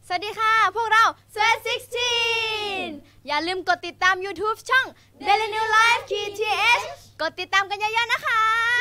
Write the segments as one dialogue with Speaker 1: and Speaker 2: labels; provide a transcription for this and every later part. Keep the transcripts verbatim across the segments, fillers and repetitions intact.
Speaker 1: สวัสดีค่ะพวกเรา สวีท สิบหก อย่าลืมกดติดตาม YouTube ช่อง Daily New Life ที ที เอช กดติดตามกันเยอะๆนะคะ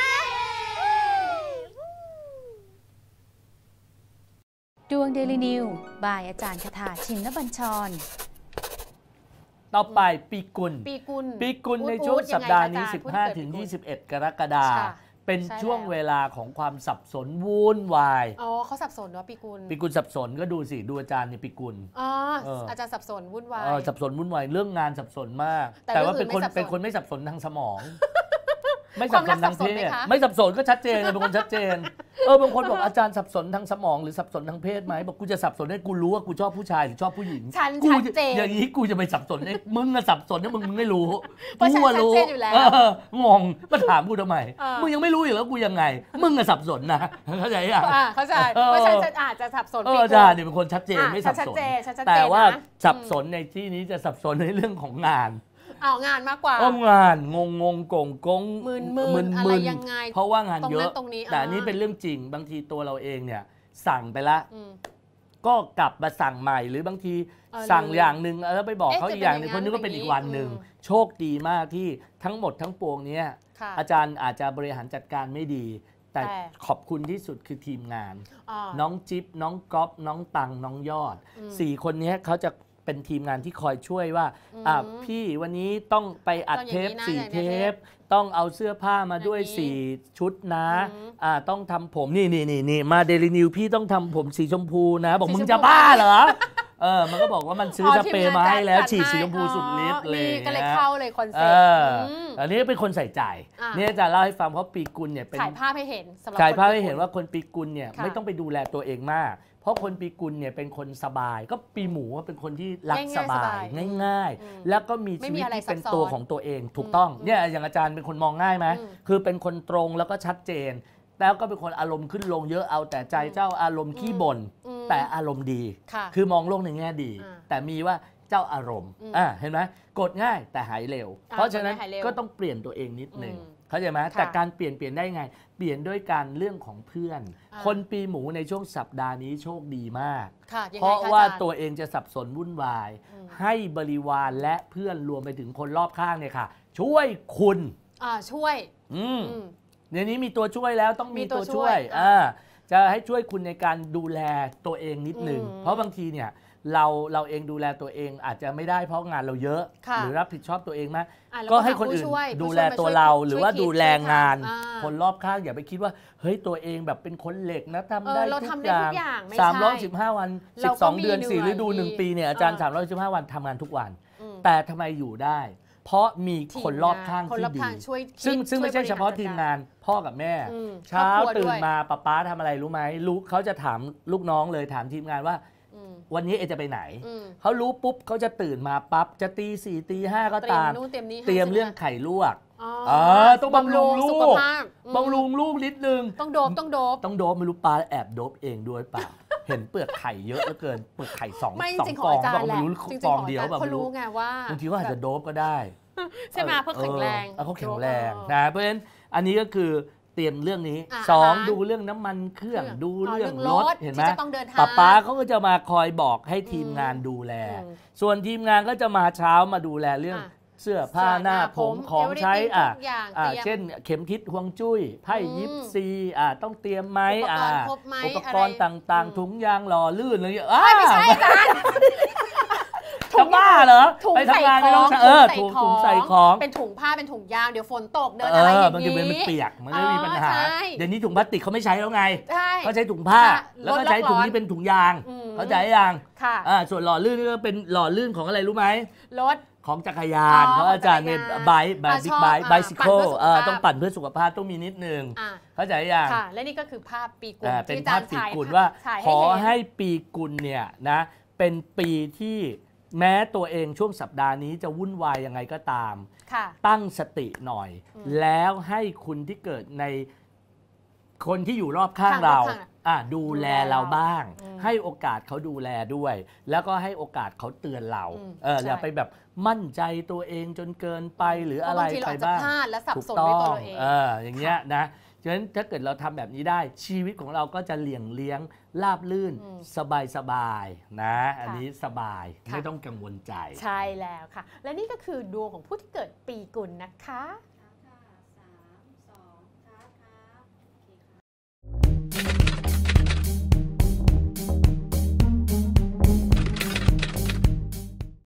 Speaker 2: ดวง Daily New บายอาจารย์คทาชินบัญชร
Speaker 3: ต่อไปปีกุล
Speaker 2: ปีกุล
Speaker 3: ปีกุลในช่วงสัปดาห์นี้ สิบห้าถึงยี่สิบเอ็ด กรกฎาคมเป็นช่วงเวลาของความสับสนวุ่นวาย
Speaker 2: อ๋อเขาสับสนเนาะปีกุล
Speaker 3: ปีกุลสับสนก็ดูสิดูอาจารย์ในปีกุล
Speaker 2: อ๋ออาจารย์สับสนวุ่นวาย
Speaker 3: สับสนวุ่นวายเรื่องงานสับสนมากแต่ว่าเป็นคนเป็นคนไม่สับสนทางสมองไม่สับสนทางเพศไม่สับสนก็ชัดเจนเป็นคนชัดเจนเออบางคนบอกอาจารย์สับสนทางสมองหรือสับสนทางเพศไหมบอกกูจะสับสนให้กูรู้ว่ากูชอบผู้ชายหรือชอบผู้หญิง
Speaker 2: ฉันชัดเจน
Speaker 3: อย่างนี้กูจะไปสับสนให้มึงอะสับสนให้มึงมึงไม่รู้
Speaker 2: กูว่ารู้
Speaker 3: งงมาถามกูทำไมมึงยังไม่รู้อยู่แล้วกูยังไงมึงอะสับสนนะเข้าใจยัง
Speaker 2: เข้าใจเพราะฉันอาจจะสับสน
Speaker 3: อาจารย์เนี่ยเป็นคนชัดเจนไม่สับสนแต่ว่าสับสนในที่นี้จะสับสนในเรื่องของงาน
Speaker 2: เอางานมากกว่า
Speaker 3: เอางานงงงงกงกง
Speaker 2: มึนมึนอะไรยังไง
Speaker 3: เพราะว่างานเยอะแต่อันนี้เป็นเรื่องจริงบางทีตัวเราเองเนี่ยสั่งไปละก็กลับมาสั่งใหม่หรือบางทีสั่งอย่างหนึ่งแล้วไปบอกเขาอีกอย่างนึงคนนึงก็เป็นอีกวันหนึ่งโชคดีมากที่ทั้งหมดทั้งปวงนี้อาจารย์อาจจะบริหารจัดการไม่ดีแต่ขอบคุณที่สุดคือทีมงานน้องจิ๊บน้องก๊อฟน้องตังน้องยอดสี่คนนี้เขาจะเป็นทีมงานที่คอยช่วยว่าอ่ะพี่วันนี้ต้องไปอัดเทปสี่เทปต้องเอาเสื้อผ้ามาด้วยสี่ชุดนะอ่าต้องทำผมนี่นี่นี่นี่มาเดลินิวพี่ต้องทำผมสีชมพูนะบอกมึงจะบ้าเหรอเออมันก็บอกว่ามันซื้อสเปรย์มาให้แล้วฉีดสีชมพูสุดฤทธิ์เลย
Speaker 2: ก็เลยเข้าเลยคอนเซ็ปต์
Speaker 3: อันนี้เป็นคนใส่ใจนี่จะเล่าให้ฟังเพราะปีกุลเนี่ยเป็น
Speaker 2: ถ่ายภาพให้เห็น
Speaker 3: ถ่ายภาพให้เห็นว่าคนปีกุลเนี่ยไม่ต้องไปดูแลตัวเองมากเพราะคนปีกุลเนี่ยเป็นคนสบายก็ปีหมูเป็นคนที่รักสบายง่ายๆแล้วก็มีชีวิตที่เป็นตัวของตัวเองถูกต้องเนี่ยอย่างอาจารย์เป็นคนมองง่ายไหมคือเป็นคนตรงแล้วก็ชัดเจนแล้วก็เป็นคนอารมณ์ขึ้นลงเยอะเอาแต่ใจเจ้าอารมณ์ขี้บ่นแต่อารมณ์ดีคือมองโลกในแง่ดีแต่มีว่าเจ้าอารมณ์อ่าเห็นไหมกดง่ายแต่หายเร็วเพราะฉะนั้นก็ต้องเปลี่ยนตัวเองนิดนึงเข้าใจไหมแต่การเปลี่ยนเปลี่ยนได้ไงเปลี่ยนด้วยการเรื่องของเพื่อนคนปีหมูในช่วงสัปดาห์นี้โชคดีมากเพราะว่าตัวเองจะสับสนวุ่นวายให้บริวารและเพื่อนรวมไปถึงคนรอบข้างเนี่ยค่ะช่วยคุณ
Speaker 2: อ่าช่วย
Speaker 3: อืมในนี้มีตัวช่วยแล้วต้องมีตัวช่วยอ่าจะให้ช่วยคุณในการดูแลตัวเองนิดนึงเพราะบางทีเนี่ยเราเราเองดูแลตัวเองอาจจะไม่ได้เพราะงานเราเยอะหรือรับผิดชอบตัวเองมากก็ให้คนอื่นดูแลตัวเราหรือว่าดูแลงานคนรอบข้างอย่าไปคิดว่าเฮ้ยตัวเองแบบเป็นคนเหล็กนะทำได้ทุกอย่างสามร้อยสิบห้าวันสิบสองเดือนสี่ฤดูหนึ่งปีเนี่ยอาจารย์สามร้อยสิบห้าวันทำงานทุกวันแต่ทำไมอยู่ได้เพราะมีคนรอบข้างที่ดีซึ่งซึ่งไม่ใช่เฉพาะทีมงานพ่อกับแม่เช้าตื่นมาป๊าป๊าทำอะไรรู้ไหมลูกเขาจะถามลูกน้องเลยถามทีมงานว่าวันนี้เอจะไปไหนเขารู้ปุ๊บเขาจะตื่นมาปั๊บจะตีสี่ตีห้าก็ตามเตรียมเรื่องไข่ลวกอ๋อต้องบำรุงลูกบำรุงลูกนิดนึง
Speaker 2: ต้องโดบต้องโดบ
Speaker 3: ต้องโดบไม่รู้ปลาแอบโดบเองด้วยเปล่าเห็นเปลือกไข่เยอะเหลือเกินเปลือกไข่สองสองฟองบอกไม่รู้ฟองเดียวแบบ
Speaker 2: เขารู้ไงว่า
Speaker 3: บางทีก็อาจจะโดบก็ได้
Speaker 2: ใช่ไหมเพื่อแข็งแรง
Speaker 3: เขาแข็งแรงนะเพราะฉะนั้นอันนี้ก็คือเตรียมเรื่องนี้สองดูเรื่องน้ำมันเครื่องดูเรื่องรถเห็นไหมป้าป้าเขาก็จะมาคอยบอกให้ทีมงานดูแลส่วนทีมงานก็จะมาเช้ามาดูแลเรื่องเสื้อผ้าหน้าผมของใช้อ่ะเช่นเข็มทิศฮวงจุ้ยไพ่ยิปซีอ่ะต้องเตรียมไหมอ่ะอุปกรณ์ต่างๆถุงยางหล่อลื่นอะไรอย่างเงี้ย
Speaker 2: ไม่ใช่อาจารย์
Speaker 3: จะบ้าเหรอไปทำงานไม่ต้องเออถุงถุงใส่ของ
Speaker 2: เป็นถุงผ้าเป็นถุงยางเดี๋ยวฝนตกเดินอะไรอย่างนี้
Speaker 3: บางทีมันเปียกมันไม่มีปัญหาเดี๋ยวนี้ถุงพลาสติกเขาไม่ใช้แล้วไงเขาใช้ถุงผ้าแล้วก็ใช้ถุงที่เป็นถุงยางเขาใจยังอ่าส่วนหล่อลื่นก็เป็นหล่อลื่นของอะไรรู้ไหม
Speaker 2: รถ
Speaker 3: ของจักรยานเพราะอาจารย์เนี่ยไบค์ไบค์บิ๊กไบค์ไบซิเคิลต้องปั่นเพื่อสุขภาพต้องมีนิดนึงเข้าใจยัง
Speaker 2: ค่ะและนี่ก็คือภาพปีกุล
Speaker 3: เป็นภาพปีกุลว่าขอให้ปีกุลเนี่ยนะเป็นปีที่แม้ตัวเองช่วงสัปดาห์นี้จะวุ่นวายยังไงก็ตามตั้งสติหน่อยแล้วให้คุณที่เกิดในคนที่อยู่รอบข้างเราดูแลเราบ้างให้โอกาสเขาดูแลด้วยแล้วก็ให้โอกาสเขาเตือนเราเอออย่าไปแบบมั่นใจตัวเองจนเกินไปหรืออะไรไปบ้าง
Speaker 2: ถูกต้อง
Speaker 3: เอออย่างเงี้ยนะฉะนั้นถ้าเกิดเราทำแบบนี้ได้ชีวิตของเราก็จะเลี่ยงเลี้ยงราบลื่น
Speaker 2: อืม
Speaker 3: สบายสบายนะ อัน
Speaker 2: ค่ะ
Speaker 3: นี้สบาย
Speaker 2: ค่ะ
Speaker 3: ไม่ต้องกังวลใจ
Speaker 4: ใช่แล้วค่ะ และนี่ก็คือดวงของผู้ที่เกิดปีกุลนะคะ